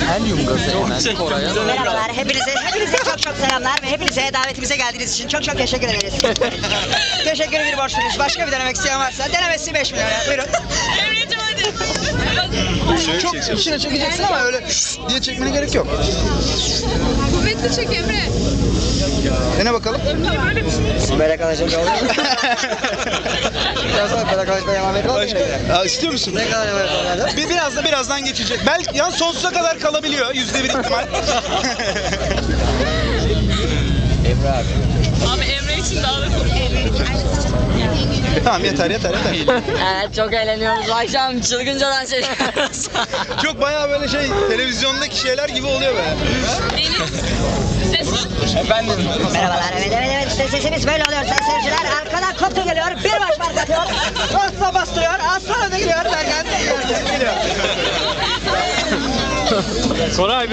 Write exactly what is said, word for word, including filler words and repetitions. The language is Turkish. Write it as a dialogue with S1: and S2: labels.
S1: Helyum gazı hemen Koray'a.
S2: Merhabalar, hepinize, hepinize çok çok selamlar ve hepinize davetimize geldiğiniz için çok çok teşekkür ederiz. Teşekkür bir borçluyuz. Başka bir denemek isteyen varsa denemesi beş milyon. Buyurun.
S3: Emre'cim hadi.
S4: Çok içine çekeceksin ama öyle diye çekmene gerek yok.
S3: Kuvvetli çek Emre.
S4: Dene bakalım.
S1: Melek Anacığım ne oluyor? Biraz sonra Melek Anacığım'a devam edelim.
S4: Başka, Aa, istiyor musun?
S1: Ne kadar devam edelim?
S4: Bir, biraz da birazdan geçecek. Belki yani sonsuza kadar kalabiliyor. Yüzde bir ihtimal.
S1: Emre abi.
S3: Abi Emre için daha da komik.
S4: Tamam yeter yeter yeter.
S5: Evet çok eğleniyoruz. Akşam çılgınca dans ediyoruz.
S4: Çok bayağı böyle şey televizyondaki şeyler gibi oluyor böyle.
S3: Deniz. Ses.
S2: Merhabalar, evet evet evet işte sesimiz böyle oluyor sayın seyirciler. Arkadan koptu geliyor, bir baş park atıyor. Asla bastırıyor, az sonra da gidiyor derken geliyor.
S4: Koray